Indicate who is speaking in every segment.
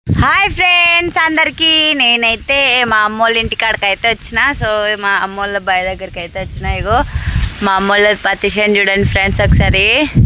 Speaker 1: Hi friends అందరికీ, నేనైతే మా అమ్మోళ్ళ ఇంటికాడికి అయితే వచ్చిన. సో మా అమ్మోళ్ళ బాయ్ దగ్గరికి అయితే వచ్చిన. ఇగో మా అమ్మోళ్ళ పత్తి చేను చూడండి ఫ్రెండ్స్ ఒకసారి.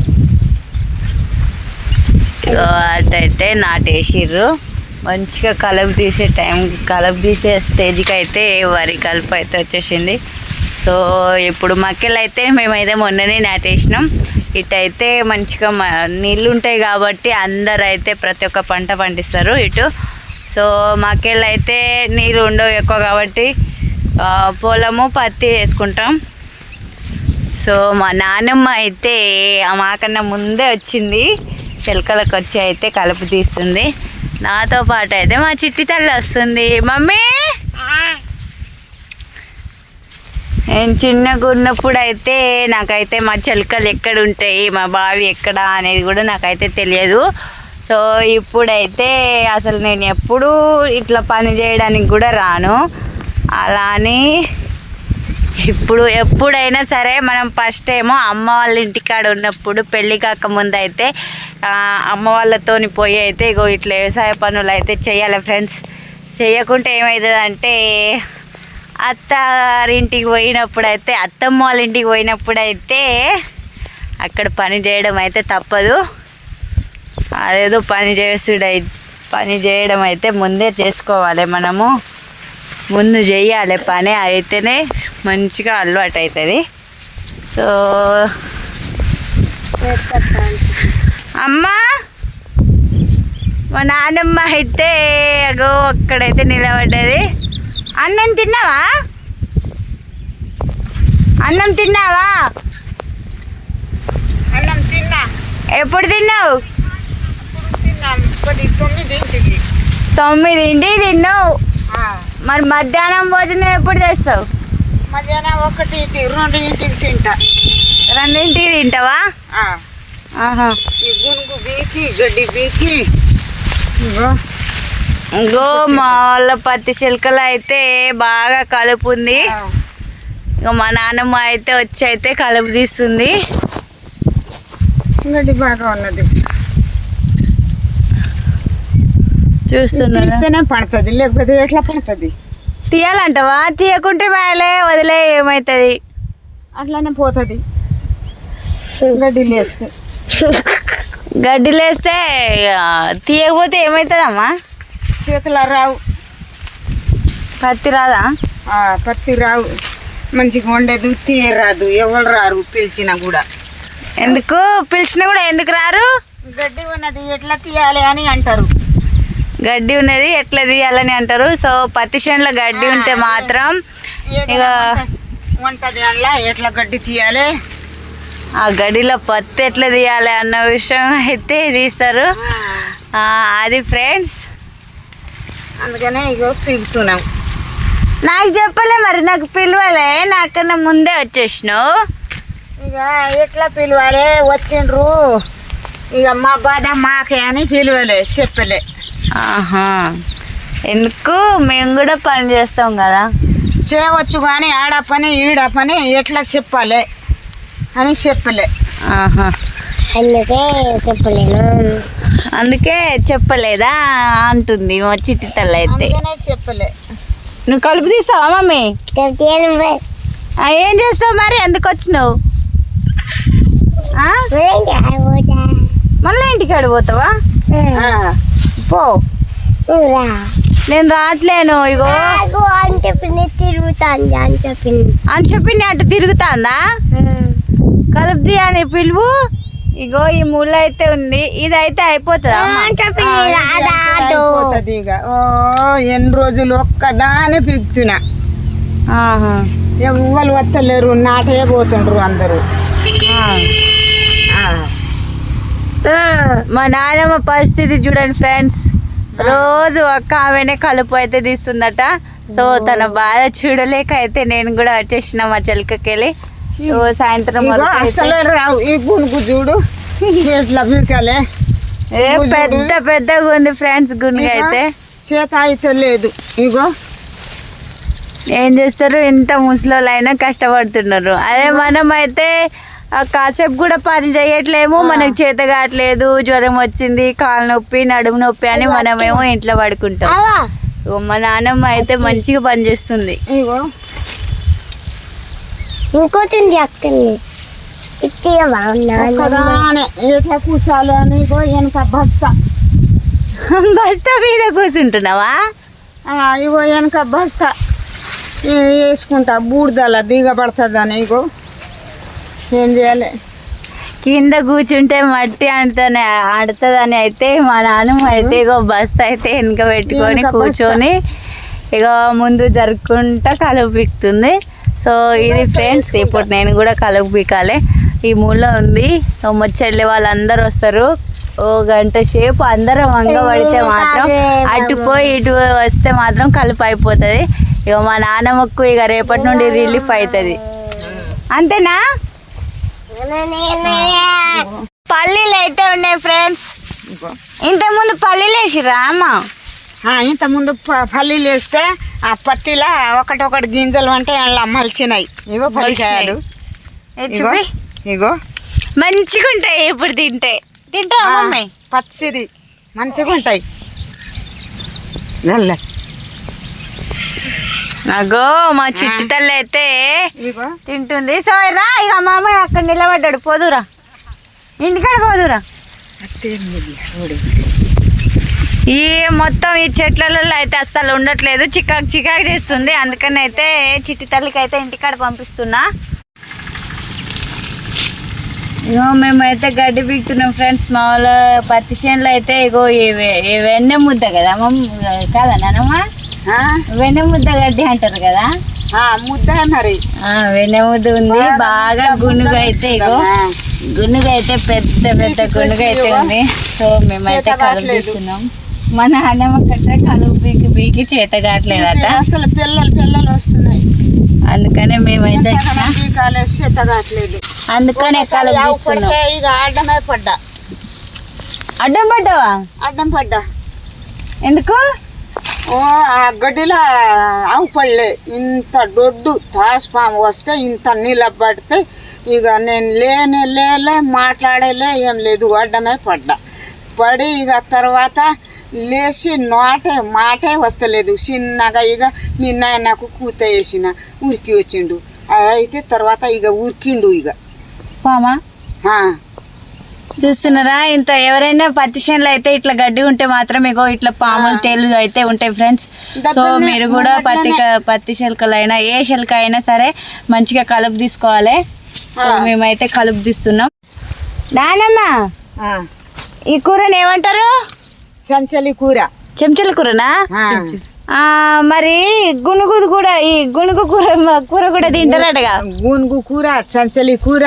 Speaker 1: ఇగో అటైతే నాటేసిర్రు. మంచిగా కలుపు తీసే స్టేజ్కి అయితే వరి కలుపు అయితే వచ్చేసింది. సో ఇప్పుడు మక్కెలు అయితే మేమైతే మొన్ననే నాటేసినాం. ఇటైతే మంచిగా నీళ్ళు ఉంటాయి కాబట్టి అందరు అయితే ప్రతి ఒక్క పంట పండిస్తారు ఇటు. సో మక్కెలు అయితే నీళ్ళు ఉండవు ఎక్కువ కాబట్టి పొలము పత్తి వేసుకుంటాం. సో మా నాన్నమ్మ అయితే మాకన్నా ముందే వచ్చింది, చిలకలకు వచ్చి అయితే కలుపు తీస్తుంది. నాతో పాటు అయితే మా చిట్టి తల్లి వస్తుంది. మమ్మీ నేను చిన్నగా ఉన్నప్పుడు అయితే నాకైతే మా చిలకలు ఎక్కడ ఉంటాయి, మా బావి ఎక్కడ అనేది కూడా నాకైతే తెలియదు. సో ఇప్పుడైతే అసలు నేను ఎప్పుడూ ఇట్లా పని చేయడానికి కూడా రాను. అలా అని ఎప్పుడైనా సరే మనం ఫస్ట్ ఏమో అమ్మ వాళ్ళ ఇంటికాడ ఉన్నప్పుడు పెళ్ళి కాకముందు అయితే అమ్మ వాళ్ళతోని పోయి అయితే ఇగో ఇట్లా వ్యవసాయ పనులు అయితే చేయాలి ఫ్రెండ్స్. చేయకుంటే ఏమవుతుందంటే అత్తారింటికి పోయినప్పుడు అయితే అత్తమ్మ వాళ్ళ ఇంటికి పోయినప్పుడు అయితే అక్కడ పని చేయడం అయితే తప్పదు. అదేదో పని చేయడం అయితే ముందే చేసుకోవాలి, మనము ముందు చేయాలి పని, అయితేనే మంచిగా అలవాటు అవుతుంది. సో అమ్మ మా నాన్నమ్మ అయితే అగో అక్కడైతే నిలబడ్డది. అన్నం తిన్నావా? అన్నం తిన్నా. ఎప్పుడు తిన్నావు? 9ంటికి తిన్నావు. మరి మధ్యాహ్నం భోజనం ఎప్పుడు తెస్తావు?
Speaker 2: మధ్యాహ్నం 1ంటికి 2ంటికి తింటా.
Speaker 1: 2ంటికి తింటావా?
Speaker 2: ఈ గునుగు బీకి గడ్డి బీకి
Speaker 1: ఇంకో మా వాళ్ళ పత్తి చిలకలు అయితే బాగా కలుపు ఉంది. ఇక మా నాన్నమ్మ అయితే వచ్చి అయితే కలుపు తీస్తుంది.
Speaker 2: గడ్డి బాగా ఉన్నది,
Speaker 1: చూస్తున్నా.
Speaker 2: పడుతుంది, లేకపోతే ఎట్లా పడుతుంది?
Speaker 1: తీయాలంటవా? తీయకుంటే మేలే వదిలే ఏమవుతుంది?
Speaker 2: అట్లానే పోతుంది.
Speaker 1: గడ్డి లేస్తే తీయకపోతే ఏమవుతుందమ్మా?
Speaker 2: చేతులు రావు,
Speaker 1: పత్తి రాదా?
Speaker 2: పత్తి రావు, మంచిగా వండేది తీయరాదు, ఎవరు రారు పిలిచినా కూడా.
Speaker 1: ఎందుకు పిలిచినా కూడా ఎందుకు రారు?
Speaker 2: గడ్డి ఉన్నది ఎట్లా తీయాలి అని అంటారు.
Speaker 1: గడ్డి ఉన్నది ఎట్లా తీయాలని అంటారు. సో పత్తి చేనులో గడ్డి ఉంటే మాత్రం ఇక
Speaker 2: వంటది అలా ఎట్లా గడ్డి తీయాలి,
Speaker 1: ఆ గడ్డిలో పత్తి ఎట్లా తీయాలి అన్న విషయం అయితే తీస్తారు. అది ఫ్రెండ్స్,
Speaker 2: అందుకనే ఇగో పిలుస్తున్నాం.
Speaker 1: నాకు చెప్పలే మరి, నాకు పిలవలే, నాకన్నా ముందే వచ్చేసినావు.
Speaker 2: ఇక ఎట్లా పిలవాలి? వచ్చిండ్రు ఇక మా బాధ మాకే అని పిలవలే, చెప్పలే.
Speaker 1: ఎందుకు? మేము కూడా పని చేస్తాం కదా,
Speaker 2: చేయవచ్చు కానీ ఆడ పని ఈడ పని ఎట్లా చెప్పాలి అని చెప్పలే.
Speaker 1: అందుకే చెప్పలేదా అంటుంది మా చిట్టి తల్లి అయితే.
Speaker 2: చెప్పలే.
Speaker 1: నువ్వు కలుపు తీస్తావా మమ్మీ? ఏం చేస్తావు మరి? ఎందుకు వచ్చినావు? మళ్ళీ ఇంటికాడ పోతావా? పో, నేను రావట్లేను. ఇగో
Speaker 3: అని చెప్పింది తిరుగుతాంది అని చెప్పింది
Speaker 1: అటు తిరుగుతాందా? కలుపు తీయని పిలువు. ఇగో ఈ ముళ్ళ అయితే ఉంది, ఇదైతే అయిపోతుందా?
Speaker 2: ఇక ఎన్ని రోజులు ఒక్కదానే పిలుస్తున్నా, ఎవ్వరు వస్తలేరు, నాటే పోతుండ్రు అందరూ.
Speaker 1: మా నాన్నమ్మ పరిస్థితి చూడండి ఫ్రెండ్స్, రోజు ఒక్క ఆమెనే కలుపు అయితే తీస్తుందట. సో తన బాధ చూడలేక అయితే నేను కూడా వచ్చేసిన మా చిలకకెళ్ళి. సాయంత్రం
Speaker 2: అసలు రావు. ఈ గునుగు చూడు ఎట్లా పీకాలే,
Speaker 1: పెద్ద పెద్దగా ఉంది ఫ్రెండ్స్. గునుగు అయితే
Speaker 2: చేత అయితే లేదు. ఇగో
Speaker 1: ఏం చేస్తారు, ఇంత ముసలోళ్ళైనా కష్టపడుతున్నారు. అదే మనం అయితే కాసేపు కూడా పని చేయట్లేము, మనకు చేత కావట్లేదు, జ్వరం వచ్చింది, కాలు నొప్పి, నడుము నొప్పి అని మనమేమో ఇంట్లో పడుకుంటాం. మా నాన్నమ్మ అయితే మంచిగా పని చేస్తుంది.
Speaker 2: ఇగో
Speaker 3: ఇంకోటి చెప్తుంది
Speaker 2: ఒక్కదానే ఎట్లా కూర్చోాలి అని ఇగో వెనక బస్తా
Speaker 1: బస్తా మీద కూర్చుంటున్నావా?
Speaker 2: ఇగో వెనక బస్తా వేసుకుంటా బూడిదల దిగబడుతుందని. ఇగో ఏం చేయాలి,
Speaker 1: కింద కూర్చుంటే మట్టి ఆడుతుందని అయితే మా నాన్నమ్మ అయితే ఇగో బస్తా అయితే వెనక పెట్టుకొని కూర్చొని ఇక ముందు జరుపుకుంటా కలుపు పీకుతుంది. సో ఇది ఫ్రెండ్స్, ఇప్పుడు నేను కూడా కలుపు పీకాలి. ఈ మూలలో ఉంది. సో ముచ్చళ్ళే వాళ్ళందరూ వస్తారు. ఓ గంట సేపు అందరం వంగ పడితే మాత్రం అటు పోయి ఇటు వస్తే మాత్రం కలుపు అయిపోతుంది. ఇక మా నాన్నమ్మకు ఇక రేపటి నుండి రిలీఫ్ అవుతుంది. అంతేనా? పల్లీలు అయితే ఉన్నాయి ఫ్రెండ్స్. ఇంతకుముందు పల్లీలు వేసిరా అమ్మ?
Speaker 2: ఇంతకుముందు పల్లీలు వేస్తే ఆ పత్తిలా ఒకటొకటి గింజలు అంటే అలా మలిచినాయి. ఇగో పల్లికాయలు ఇగో
Speaker 1: మంచిగా ఉంటాయి. ఇప్పుడు తింటావా మమ్మీ?
Speaker 2: పచ్చిది మంచిగా ఉంటాయి.
Speaker 1: అగో మా చిట్టి తల్లి అయితే తింటుంది. సో రా ఇక మామయ్య అక్కడ నిలబడ్డాడు. పోదురా, ఇంటికాడ పోదురా. ఈ మొత్తం ఈ చెట్లలో అయితే అస్సలు ఉండట్లేదు, చికాకు చికాకు చేస్తుంది. అందుకని అయితే చిట్టి తల్లికి అయితే ఇంటికాడ పంపిస్తున్నా. ఇగో మేమైతే గడ్డి పీకుతున్నాం ఫ్రెండ్స్. మా వాళ్ళ పత్తి చేనులో అయితే ఇగో వెన్నె ముద్ద కదా కాదా నానమ్మ? వెన్నె ముద్ద గడ్డి అంటారు కదా,
Speaker 2: ముద్ద మరి
Speaker 1: వెన్నె ముద్ద ఉంది. బాగా గునుగు అయితే ఇగో గునుగు అయితే పెద్ద పెద్ద గునుగు అయితే ఉంది. సో మేమైతే కలుపు తీస్తున్నాం. మా నాన్నమ్మ కట్ట కలుపు పీకి పీకి చేత కావట్లేదట,
Speaker 2: అసలు పిల్లలు వస్తున్నాయి.
Speaker 1: అందుకనే మేమైతే
Speaker 2: చేత కావట్లేదు.
Speaker 1: అందుకనే కలుపు తీస్తున్నాం.
Speaker 2: ఇక అడ్డమే పడ్డా.
Speaker 1: అడ్డం పడ్డావా?
Speaker 2: అడ్డం పడ్డా.
Speaker 1: ఎందుకు?
Speaker 2: ఆ గడ్డిలో ఆవు పడలే. ఇంత దొడ్డు తాసుపాము వస్తే ఇంత నిలబడితే ఇక నేను లేలే మాట్లాడలే, ఏం లేదు, అడ్డమే పడి ఇక తర్వాత లేచి మాటే వస్తలేదు. చిన్నగా ఇక మీ నాయనకు కూత వేసిన ఉరికి వచ్చిండు. అయితే తర్వాత ఇక ఉరికిండు. ఇక
Speaker 1: పామా చూస్తున్నారా? ఇంత ఎవరైనా పత్తి చేనులో అయితే ఇట్లా గడ్డి ఉంటే మాత్రం ఇగో ఇట్లా పాములు తేలు అయితే ఉంటాయి ఫ్రెండ్స్. సో మీరు కూడా పత్తి శిల్కలైనా ఏ శిల్క అయినా సరే మంచిగా కలుపు తీసుకోవాలి. సో మేమైతే కలుపు తీస్తున్నాం. నానమ్మ ఈ కూరని ఏమంటారు?
Speaker 2: చెంచలి కూర.
Speaker 1: చెంచల కూరనా? మరి గునుగు కూడా, ఈ గునుగు కూర కూడా తింటారటగా.
Speaker 2: గునుగు కూర, చెంచలి కూర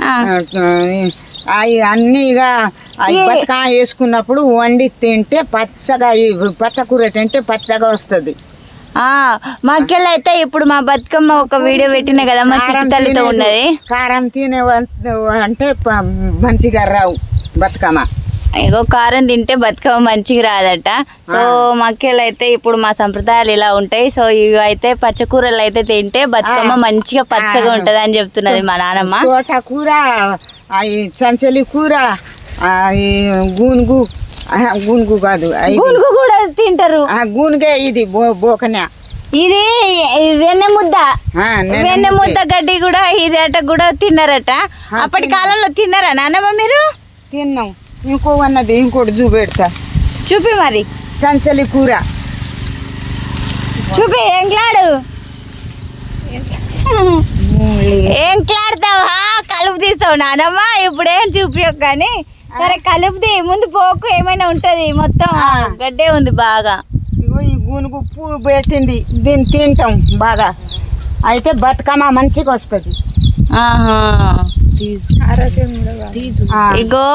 Speaker 2: అవి అన్నీ ఇక బతుకా వేసుకున్నప్పుడు వండి తింటే పచ్చగా, పచ్చకూర తింటే పచ్చగా వస్తుంది.
Speaker 1: మాకెళ్ళి అయితే ఇప్పుడు మా బతుకమ్మ ఒక వీడియో పెట్టిన కదా, మా చిట్టి తల్లితో ఉన్నది.
Speaker 2: కారం తినే అంటే మంచిగా రావు బతుకమ్మ.
Speaker 1: ఇగో కారం తింటే బతుకమ్మ మంచిగా రాదట. సో మాకెళ్ళి అయితే ఇప్పుడు మా సంప్రదాయాలు ఇలా ఉంటాయి. సో ఇవి అయితే పచ్చకూరలు అయితే తింటే బతుకమ్మ మంచిగా పచ్చగా ఉంటది అని చెప్తున్నది మా నానమ్మ.
Speaker 2: తోటకూర, సంచలి కూర, గూనుగు కాదు,
Speaker 1: గూనుగు కూడా తింటారు.
Speaker 2: గూనుగే ఇది బోకన్యా.
Speaker 1: ఇది వెన్నె ముద్ద గడ్డి కూడా ఇది అట కూడా తిన్నారట. అప్పటి కాలంలో తిన్నారా నాన్నమ్మ మీరు?
Speaker 2: తిన్నాం. ఇంకో అన్నది ఇంకోటి చూపెడతా.
Speaker 1: చూపి మరి.
Speaker 2: సంచలి కూర
Speaker 1: చూపి. ఏం క్లాడతావా? కలుపు తీస్తావు నానమ్మ. ఇప్పుడు ఏం చూపించకు కానీ సరే కలుపుది. ముందు పోకు ఏమైనా ఉంటది, మొత్తం గడ్డే ఉంది బాగా.
Speaker 2: ఇగో ఈ గూనుగు పువ్వు పెట్టింది, దీన్ని తింటాం బాగా. అయితే బతుకమ్మ మంచిగా వస్తుంది.
Speaker 1: ఇగో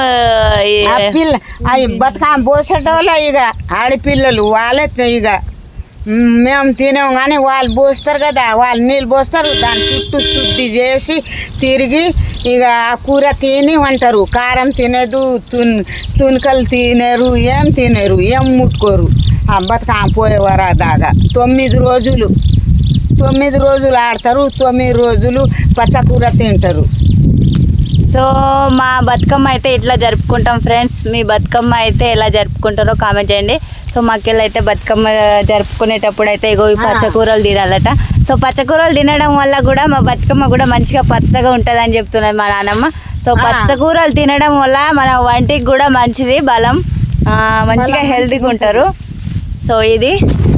Speaker 2: బతుకమ్మ పోసేటోళ్ళ ఇక ఆడపిల్లలు వాళ్ళే ఇక మేము తినేం కానీ వాళ్ళు పోస్తారు కదా, వాళ్ళు నీళ్ళు పోస్తారు. దాని చుట్టూ శుద్ధి చేసి తిరిగి ఇక ఆ కూర తిని వంటారు. కారం తినేదు, తునకలు తినేరు, ఏం తినేరు, ఏం ముట్టుకోరు. ఆ బతుకమ్మ పోయేవారు దాకా 9 రోజులు ఆడతారు. 9 రోజులు పచ్చకూర తింటారు.
Speaker 1: సో మా బతుకమ్మ అయితే ఇట్లా జరుపుకుంటాం ఫ్రెండ్స్. మీ బతుకమ్మ అయితే ఎలా జరుపుకుంటారో కామెంట్ చేయండి. సో మాకెళ్ళి అయితే బతుకమ్మ జరుపుకునేటప్పుడు అయితే ఇగో ఈ పచ్చకూరలు తినాలట. సో పచ్చకూరలు తినడం వల్ల కూడా మా బతుకమ్మ కూడా మంచిగా పచ్చగా ఉంటుంది అని చెప్తున్నది మా నాన్నమ్మ. సో పచ్చకూరలు తినడం వల్ల మన వంటికి కూడా మంచిది, బలం, మంచిగా హెల్తీగా ఉంటారు. సో ఇది